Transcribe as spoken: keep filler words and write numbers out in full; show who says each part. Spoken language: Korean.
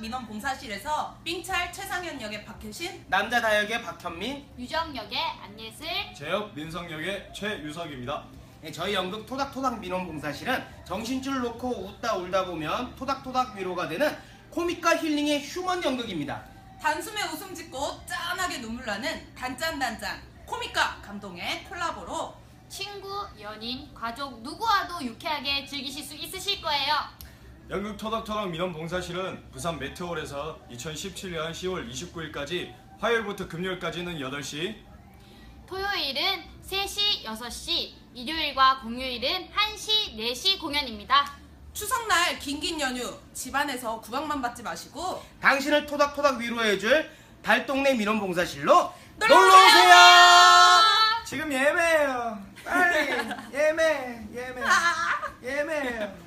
Speaker 1: 민원봉사실에서 삥찰 최상현 역의 박효신,
Speaker 2: 남자 다역의 박현민,
Speaker 3: 유정 역의 안예슬,
Speaker 4: 제역 민성 역의 최유석입니다.
Speaker 2: 네, 저희 연극 토닥토닥 민원봉사실은 정신줄 놓고 웃다 울다 보면 토닥토닥 위로가 되는 코믹과 힐링의 휴먼 연극입니다.
Speaker 1: 단숨에 웃음 짓고 짠하게 눈물 나는 단짠단짠 코믹과 감동의 콜라보로
Speaker 3: 친구, 연인, 가족 누구와도 유쾌하게 즐기실 수 있으실 거예요.
Speaker 4: 연극 토닥토닥 민원봉사실은 부산 메테올에서 이천십칠년 시월 이십구일까지 화요일부터 금요일까지는 여덟 시,
Speaker 3: 토요일은 세 시, 여섯 시, 일요일과 공휴일은 한 시, 네 시 공연입니다.
Speaker 1: 추석날 긴긴 연휴 집안에서 구박만 받지 마시고
Speaker 2: 당신을 토닥토닥 위로해줄 달동네 민원봉사실로
Speaker 1: 놀러오세요!
Speaker 2: 놀러오세요!
Speaker 4: 지금 예매해요. 빨리 예매 예매 예매해요.